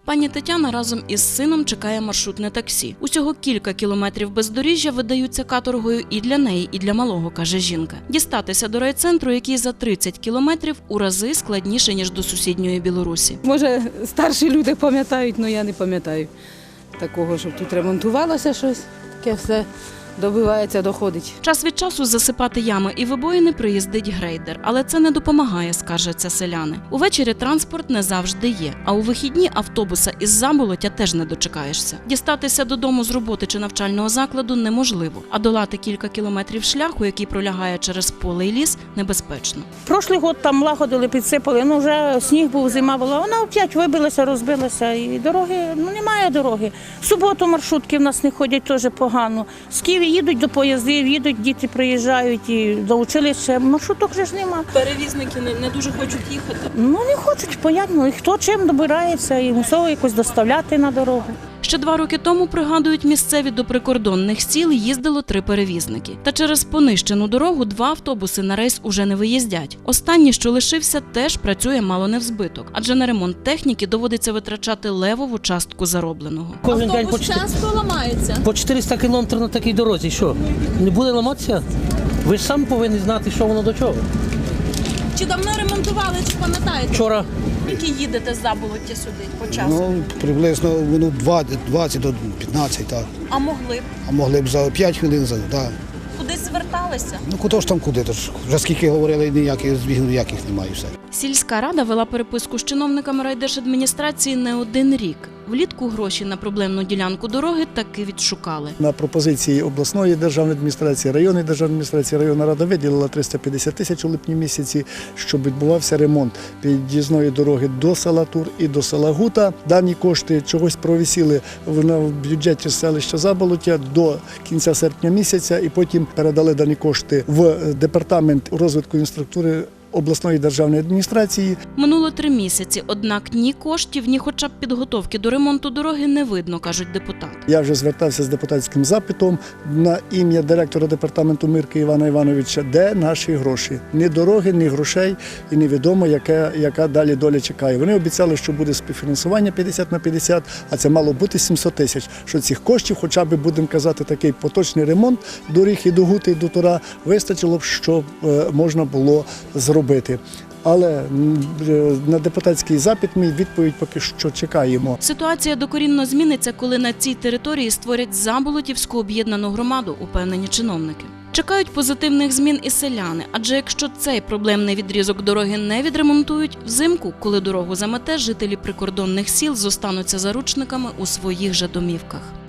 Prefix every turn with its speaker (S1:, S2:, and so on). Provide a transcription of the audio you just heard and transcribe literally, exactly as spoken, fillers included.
S1: Пані Тетяна разом із сином чекає маршрутне таксі. Усього кілька кілометрів бездоріжжя видаються каторгою і для неї, і для малого, каже жінка. Дістатися до райцентру, який за тридцять кілометрів, у рази складніше, ніж до сусідньої Білорусі.
S2: Може, старші люди пам'ятають, але я не пам'ятаю такого, щоб тут ремонтувалося щось, таке все. Добивається, доходить.
S1: Час від часу засипати ями і вибоїни приїздить грейдер, але це не допомагає, скаржаться селяни. Увечері транспорт не завжди є, а у вихідні автобуса із Заболоття теж не дочекаєшся. Дістатися додому з роботи чи навчального закладу неможливо, а долати кілька кілометрів шляху, який пролягає через поле і ліс, небезпечно.
S3: Прошлий год там лагодили, підсипали, ну вже сніг був, зима була, вона опять вибилася, розбилася, і дороги, ну немає дороги. В суботу маршрутки в нас не ходять, теж погано. З Києва їдуть до поїздів, їдуть, діти приїжджають і до училища, маршруток вже ж нема.
S1: Перевізники не, не дуже хочуть їхати?
S3: Ну не хочуть, понятно, і хто чим добирається, і мусово якось доставляти на дорогу.
S1: Ще два роки тому, пригадують місцеві, до прикордонних сіл їздило три перевізники. Та через понищену дорогу два автобуси на рейс уже не виїздять. Останній, що лишився, теж працює мало не в збиток, адже на ремонт техніки доводиться витрачати левову частку заробленого.
S4: Кожен день по,
S1: часто ламається.
S4: по чотириста кілометрів на такій дорозі. Що? Не буде ламатися? Ви ж сам повинні знати, що воно до чого.
S1: Чи давно ремонтували, чи пам'ятаєте?
S4: Вчора.
S1: Скільки їдете з Заболоття сюди по часу?
S5: Ну, приблизно минут двадцять до п'ятнадцяти, так.
S1: А могли б?
S5: А могли б за п'ять хвилин, за, так.
S1: Кудись зверталися?
S5: Ну, куди ж там куди, то ж вже скільки говорили, ніяких збігів ніяких немає все.
S1: Сільська рада вела переписку з чиновниками райдержадміністрації не один рік. Влітку гроші на проблемну ділянку дороги таки відшукали.
S6: На пропозиції обласної державної адміністрації, районної державної адміністрації, районна рада виділила триста п'ятдесят тисяч у липні місяці, щоб відбувався ремонт під'їзної дороги до села Тур і до села Гута. Дані кошти чогось провисіли в бюджеті селища Заболоття до кінця серпня місяця і потім передали дані кошти в департамент розвитку інфраструктури обласної державної адміністрації.
S1: Минуло три місяці, однак ні коштів, ні хоча б підготовки до ремонту дороги не видно, кажуть депутати.
S6: Я вже звертався з депутатським запитом на ім'я директора департаменту Мирки Івана Івановича, де наші гроші. Ні дороги, ні грошей і невідомо, яка, яка далі доля чекає. Вони обіцяли, що буде співфінансування п'ятдесят на п'ятдесят, а це мало бути сімсот тисяч. Що цих коштів, хоча б, будемо казати, такий поточний ремонт доріг і до Гути, і до Тура, вистачило б, щоб можна було зробити. Але на депутатський запит мій відповідь поки що чекаємо.
S1: Ситуація докорінно зміниться, коли на цій території створять Заболотівську об'єднану громаду, упевнені чиновники. Чекають позитивних змін і селяни, адже якщо цей проблемний відрізок дороги не відремонтують, взимку, коли дорогу замете, жителі прикордонних сіл зостануться заручниками у своїх же домівках.